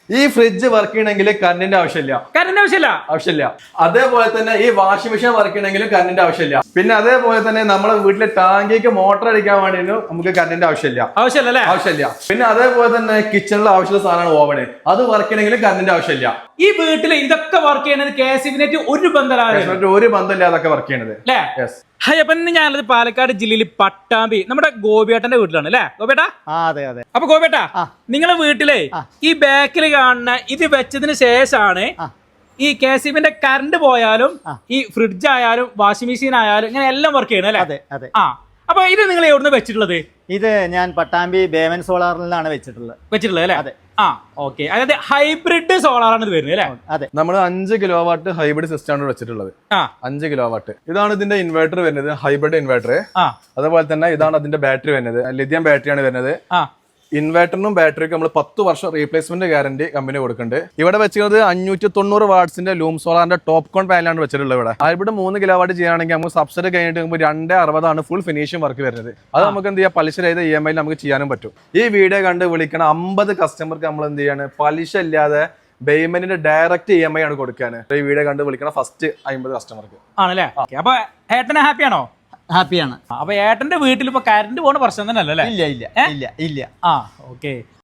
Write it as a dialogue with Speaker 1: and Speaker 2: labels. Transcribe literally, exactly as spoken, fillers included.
Speaker 1: ഈ fridge work ചെയ്യണമെങ്കിൽ കറണ്ടിന്റെ ആവശ്യമില്ല
Speaker 2: കറണ്ടിന്റെ ആവശ്യമില്ല
Speaker 1: ആവശ്യമില്ല അതേപോലെ തന്നെ ഈ വാഷിംഗ് മെഷീൻ വർക്ക് ചെയ്യണമെങ്കിലും കറണ്ടിന്റെ ആവശ്യമില്ല പിന്നെ അതേപോലെ തന്നെ നമ്മളെ വീട്ടിലെ ടാങ്കിക്ക് മോട്ടർ അടിക്കാൻ വേണ്ടിയും നമുക്ക് കറണ്ടിന്റെ ആവശ്യമില്ല
Speaker 2: ആവശ്യമില്ല
Speaker 1: ആവശ്യമില്ല പിന്നെ അതേപോലെ തന്നെ കിച്ചണിൽ ആവശ്യമുള്ള സാധനമാണ് ഓവന് അത് വർക്ക് ചെയ്യണമെങ്കിലും കറണ്ടിന്റെ ആവശ്യമില്ല
Speaker 2: ഈ വീട്ടിൽ ഇതൊക്കെ വർക്ക് ചെയ്യുന്നത് കെ എസ് ഇ ഒരു ബന്ധമില്ല
Speaker 1: ഒരു ബന്ധമില്ലാതൊക്കെ വർക്ക് ചെയ്യണത്
Speaker 2: അല്ലേ? ഹായ്, അപ്പൊ ഇന്ന് ഞാനത് പാലക്കാട് ജില്ലയിൽ പട്ടാമ്പി നമ്മുടെ ഗോപിയേട്ടന്റെ വീട്ടിലാണ് അല്ലേ ഗോപിയേട്ടാ?
Speaker 3: അതെ അതെ.
Speaker 2: അപ്പൊ ഗോപിയേട്ടാ, നിങ്ങളെ വീട്ടിലെ ഈ ബാക്കിൽ കാണുന്ന ഇത് വെച്ചതിന് ശേഷമാണ് ഈ കെ സി ബിന്റെ കറണ്ട് പോയാലും ഈ ഫ്രിഡ്ജ് ആയാലും വാഷിംഗ് മെഷീൻ ആയാലും ഇങ്ങനെ എല്ലാം വർക്ക് ചെയ്യണം അല്ലേ?
Speaker 3: അതെ അതെ.
Speaker 2: ആ, അപ്പൊ ഇത് നിങ്ങൾ എവിടുന്ന് വെച്ചിട്ടുള്ളത്?
Speaker 3: ഇത് ഞാൻ പട്ടാമ്പി ബേമൻ സോളാറിലാണ് വെച്ചിട്ടുള്ളത്
Speaker 2: വെച്ചിട്ടുള്ളത് അല്ലേ?
Speaker 3: അതെ.
Speaker 2: ആ, ഓക്കെ. അതായത് ഹൈബ്രിഡ് സോളാറാണ് ഇത് വരുന്നത് അല്ലേ?
Speaker 3: അതെ.
Speaker 1: നമ്മൾ അഞ്ച് കിലോ വാട്ട് ഹൈബ്രിഡ് സിസ്റ്റം ആണ് വെച്ചിട്ടുള്ളത്. അഞ്ച് കിലോ വാട്ട് ഇതാണ് ഇതിന്റെ ഇൻവെർട്ടർ വരുന്നത്, ഹൈബ്രിഡ് ഇൻവെർട്ടർ. അതുപോലെ തന്നെ ഇതാണ് അതിന്റെ ബാറ്ററി വരുന്നത്, ലിഥിയം ബാറ്ററിയാണ് വരുന്നത്. ഇൻവെർട്ടറിനും ബാറ്ററിക്കും നമ്മൾ പത്ത് വർഷം റീപ്ലേസ്മെന്റ് ഗ്യാരണ്ടി കമ്പനി കൊടുക്കുന്നുണ്ട്. ഇവിടെ വെച്ചിരുന്നത് അഞ്ഞൂറ്റി തൊണ്ണൂറ് വാട്സിന്റെ ലൂം സോളാറിന്റെ ടോപ്പ് കോൺ പാനലാണ് വെച്ചിട്ടുള്ളത്. ഇവിടെ ഹൈബ്രിഡ് മൂന്ന് കിലോ വാട്ട് ചെയ്യുകയാണെങ്കിൽ നമുക്ക് സബ്സിഡി കഴിഞ്ഞിട്ട് നമുക്ക് രണ്ട് അറുപതാണ് ഫുൾ ഫിനിഷിംഗ് വർക്ക് വരുന്നത്. അത് നമുക്ക് എന്ത് ചെയ്യാം, പലിശ രഹിത ഇ എം ഐ നമുക്ക് ചെയ്യാനും പറ്റും. ഈ വീഡിയോ കണ്ട് വിളിക്കണ അമ്പത് കസ്റ്റമർക്ക് നമ്മൾ എന്ത് ചെയ്യാണ്, പലിശ ഇല്ലാതെ പേയ്മെന്റിന്റെ ഡയറക്റ്റ് ഇ എം ഐ ആണ് കൊടുക്കാൻ. ഈ വീഡിയോ കണ്ട് വിളിക്കണ ഫസ്റ്റ് അമ്പത് കസ്റ്റമർക്ക്
Speaker 2: ആണല്ലേ? അപ്പൊ ഏട്ടനെ ഹാപ്പിയാണോ?
Speaker 3: ഹാപ്പിയാണ്.
Speaker 2: അപ്പൊ ഏട്ടന്റെ വീട്ടിൽ ഇപ്പൊ കറണ്ട് പോകുന്ന പ്രശ്നം തന്നെ അല്ലേ?
Speaker 3: ഇല്ല ഇല്ല ഇല്ല ഇല്ല.
Speaker 2: ആ, ഓക്കെ.